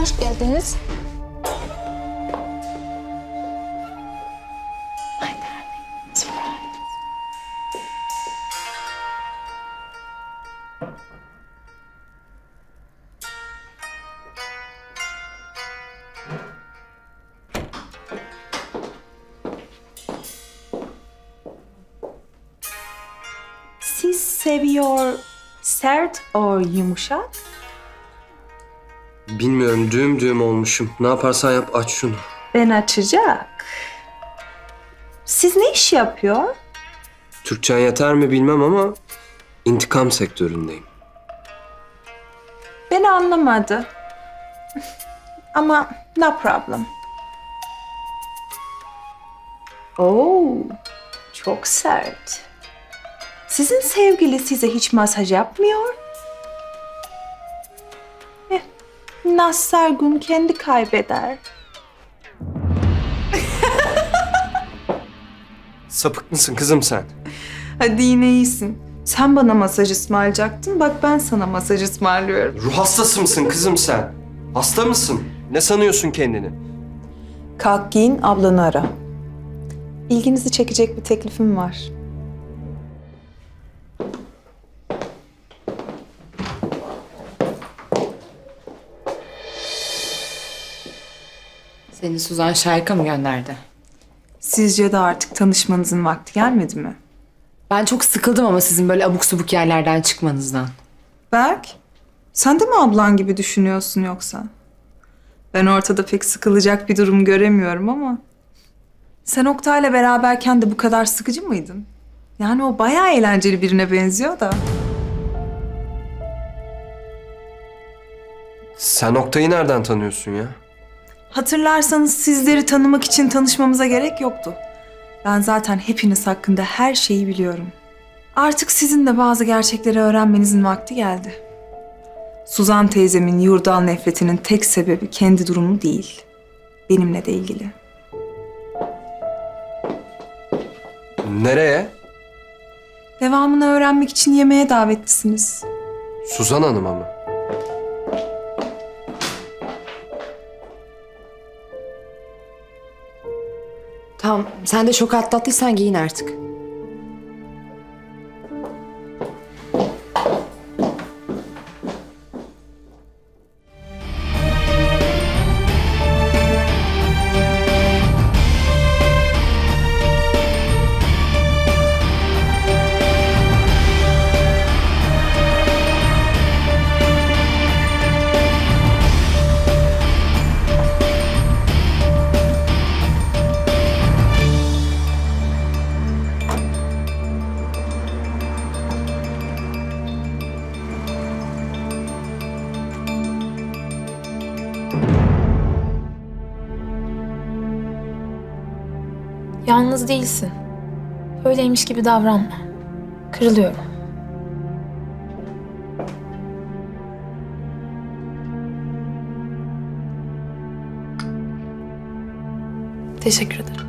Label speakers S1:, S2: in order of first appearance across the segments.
S1: Hoş geldiniz.
S2: Siz seviyor sert or yumuşak?
S3: Bilmiyorum, düğüm düğüm olmuşum. Ne yaparsan yap, aç şunu.
S2: Ben açacak. Siz ne iş yapıyor?
S3: Türkçen yeter mi bilmem ama intikam sektöründeyim.
S2: Beni anlamadı. Ama no problem. Oo, çok sert. Sizin sevgili size hiç masaj yapmıyor? Nazar gün kendi kaybeder.
S3: Sapık mısın kızım sen?
S2: Hadi yine iyisin. Sen bana masaj ısmarlayacaktın. Bak ben sana masaj ısmarlıyorum.
S3: Ruh hastası mısın kızım sen? Hasta mısın? Ne sanıyorsun kendini?
S2: Kalk giyin, ablanı ara. İlginizi çekecek bir teklifim var.
S4: Seni Suzan Şark'a mı gönderdi?
S2: Sizce de artık tanışmanızın vakti gelmedi mi?
S4: Ben çok sıkıldım ama sizin böyle abuk subuk yerlerden çıkmanızdan.
S2: Berk, sen de mi ablan gibi düşünüyorsun yoksa? Ben ortada pek sıkılacak bir durum göremiyorum ama... Sen Oktay'la beraberken de bu kadar sıkıcı mıydın? Yani o bayağı eğlenceli birine benziyor da.
S3: Sen Oktay'ı nereden tanıyorsun ya?
S2: Hatırlarsanız sizleri tanımak için tanışmamıza gerek yoktu. Ben zaten hepiniz hakkında her şeyi biliyorum. Artık sizin de bazı gerçekleri öğrenmenizin vakti geldi. Suzan teyzemin yurdan nefretinin tek sebebi kendi durumu değil. Benimle de ilgili.
S3: Nereye?
S2: Devamını öğrenmek için yemeğe davetlisiniz.
S3: Suzan Hanım'a mı?
S4: Tamam, sen de şok atlattıysan giyin artık.
S1: Yalnız değilsin. Öyleymiş gibi davranma. Kırılıyorum. Teşekkür ederim.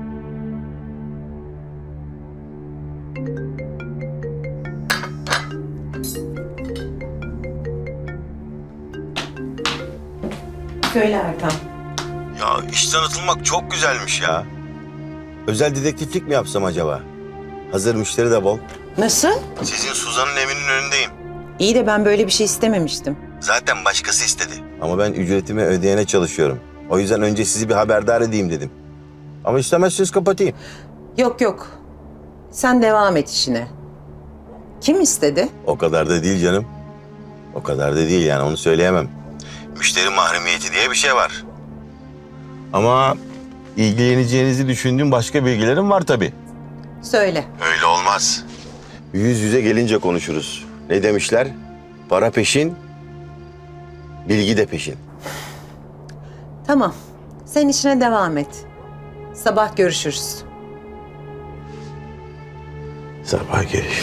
S5: Söyle Erkan.
S6: Ya işten atılmak çok güzelmiş ya. Özel dedektiflik mi yapsam acaba? Hazır müşteri de bol.
S5: Nasıl?
S6: Sizin Suzan'ın evinin önündeyim.
S5: İyi de ben böyle bir şey istememiştim.
S6: Zaten başkası istedi. Ama ben ücretimi ödeyene çalışıyorum. O yüzden önce sizi bir haberdar edeyim dedim. Ama istemezseniz kapatayım.
S5: Yok yok. Sen devam et işine. Kim istedi?
S6: O kadar da değil canım. O kadar da değil yani onu söyleyemem. Müşteri mahremiyeti diye bir şey var. Ama ilgileneceğinizi düşündüğüm başka bilgilerim var tabii.
S5: Söyle.
S6: Öyle olmaz. Yüz yüze gelince konuşuruz. Ne demişler? Para peşin, bilgi de peşin.
S5: Tamam. Sen işine devam et. Sabah görüşürüz.
S6: Sabah görüşürüz.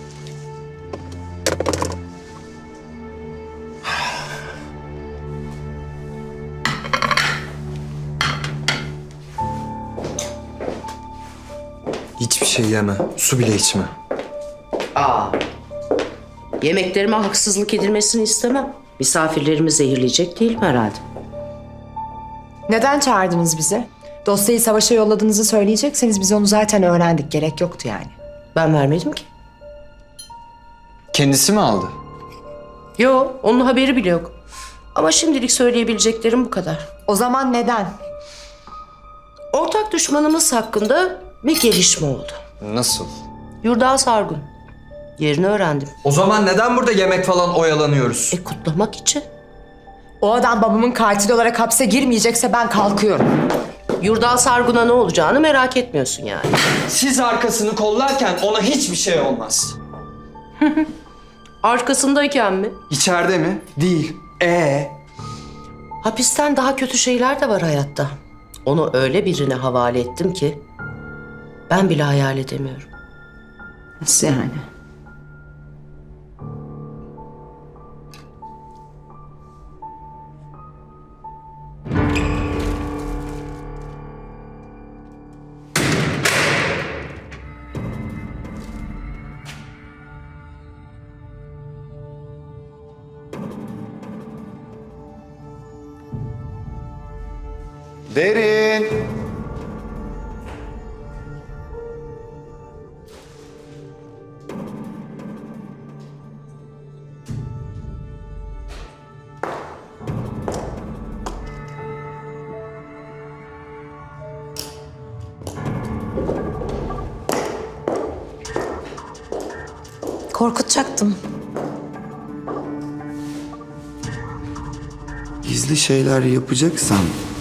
S3: Hiçbir şey yeme, su bile içme.
S7: Aa, yemeklerime haksızlık edilmesini istemem. Misafirlerimi zehirleyecek değilim herhalde.
S4: Neden çağırdınız bizi? Dosyayı savaşa yolladığınızı söyleyecekseniz biz onu zaten öğrendik. Gerek yoktu yani.
S7: Ben vermedim ki.
S8: Kendisi mi aldı?
S7: Yo, onun haberi bile yok. Ama şimdilik söyleyebileceklerim bu kadar.
S4: O zaman neden?
S7: Ortak düşmanımız hakkında bir gelişme oldu.
S8: Nasıl?
S7: Yurda Sargun. Yerini öğrendim.
S8: O zaman neden burada yemek falan oyalanıyoruz?
S7: Kutlamak için.
S4: O adam babamın katili olarak hapse girmeyecekse ben kalkıyorum.
S7: Yurda Sargun'a ne olacağını merak etmiyorsun yani.
S8: Siz arkasını kollarken ona hiçbir şey olmaz.
S7: Arkasındayken mi?
S8: İçeride mi? Değil.
S7: Hapisten daha kötü şeyler de var hayatta. Onu öyle birine havale ettim ki ben bile hayal edemiyorum.
S5: Nasıl yani?
S9: Derin.
S1: Korkutacaktım.
S9: Gizli şeyler yapacaksan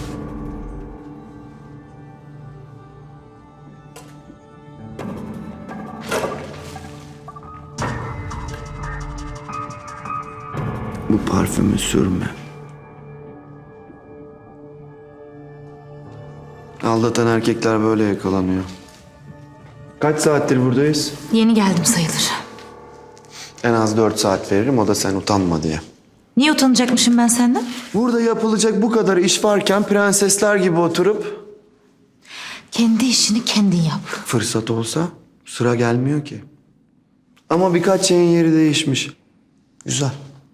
S9: bu parfümü sürme. Aldatan erkekler böyle yakalanıyor. Kaç saattir buradayız?
S1: Yeni geldim sayılır.
S9: En az 4 saat veririm, o da sen utanma diye.
S1: Niye utanacakmışım ben senden?
S9: Burada yapılacak bu kadar iş varken prensesler gibi oturup
S1: Kendi işini kendin yap.
S9: fırsat olsa sıra gelmiyor ki. Ama birkaç şeyin yeri değişmiş. Güzel.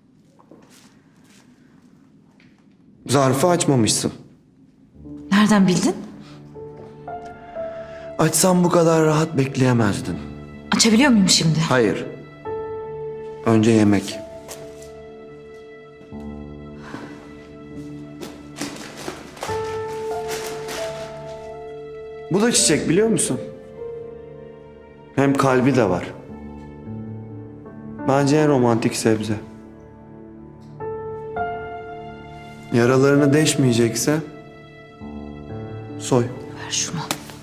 S9: Zarfı açmamışsın.
S1: Nereden bildin?
S9: Açsam bu kadar rahat bekleyemezdin.
S1: Açabiliyor muyum şimdi?
S9: Hayır. Önce yemek. Bu da çiçek, biliyor musun? Hem kalbi de var. Bence en romantik sebze. Yaralarını deşmeyecekse soy.
S1: Ver şunu.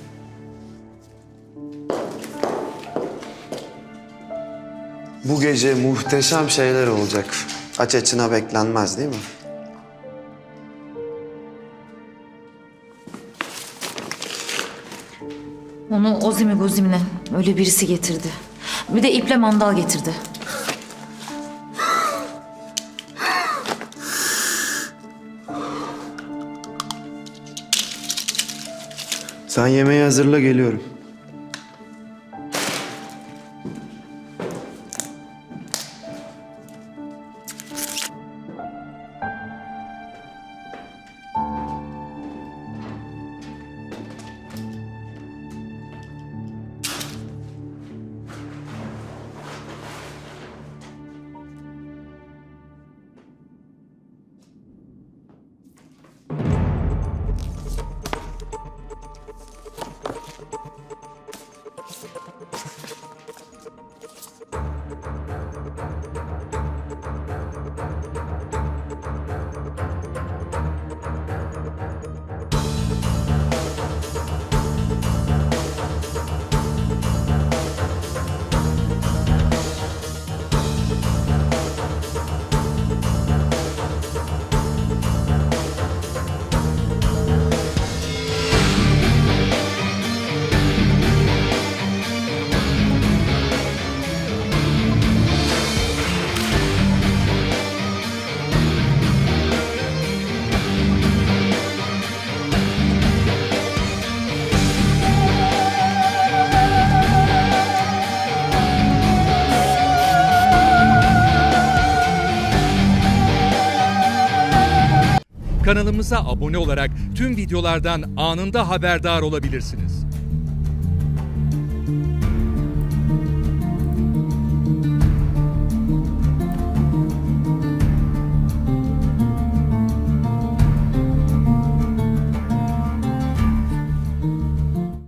S9: Bu gece muhteşem şeyler olacak. Aç açına beklenmez, değil mi?
S1: Onu Ozimi Gozim'le öyle birisi getirdi. Bir de iple mandal getirdi.
S9: Sen yemeği hazırla, geliyorum.
S10: Kanalımıza abone olarak tüm videolardan anında haberdar olabilirsiniz.